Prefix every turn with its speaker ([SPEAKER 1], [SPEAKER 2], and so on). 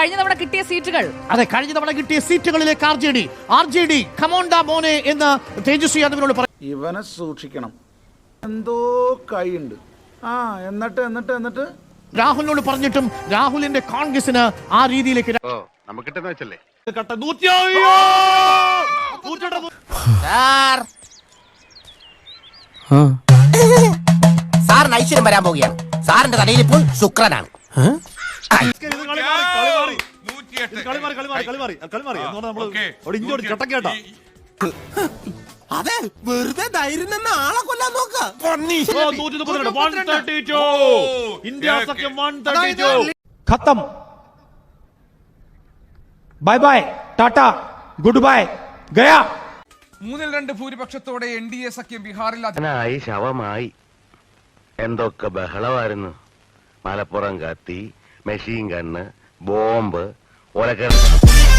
[SPEAKER 1] കഴിഞ്ഞ തവണ കിട്ടിയ സീറ്റുകൾ.
[SPEAKER 2] അതെ, കഴിഞ്ഞ തവണ കിട്ടിയ സീറ്റുകളിലേക്ക് ആർ ജെ ഡി കമോണ്ടാ മോനെ എന്ന് തേജസ്വി യാദവിനോട് പറഞ്ഞു.
[SPEAKER 3] ഇവനെ സൂക്ഷിക്കണം, എന്തോ കൈയുണ്ട്. എന്നിട്ട്
[SPEAKER 2] രാഹുലിനോട് പറഞ്ഞിട്ടും രാഹുലിന്റെ കോൺഗ്രസിന് ആ രീതിയിലേക്ക്
[SPEAKER 4] സാറിന് ഐശ്വര്യം വരാൻ പോവുകയാണ്. സാറിന്റെ തലയിൽ ഇപ്പോൾ ശുക്രനാണ്. അതെ, വെറുതെ ധൈര്യം നിന്ന് ആളെ കൊല്ലാൻ നോക്കാം.
[SPEAKER 5] खत्म bye bye tata good bye गया
[SPEAKER 6] 3-2 ഭൂരിപക്ഷത്തോടെ NDA സഖ്യം ബീഹാറിൽ
[SPEAKER 7] ശവമായി. എന്തൊക്കെ ബഹളമായിരുന്നു. മലപ്പുറം കത്തി, മെഷീൻ ഗണ്ണ്, ബോംബ്, ഒലക്ക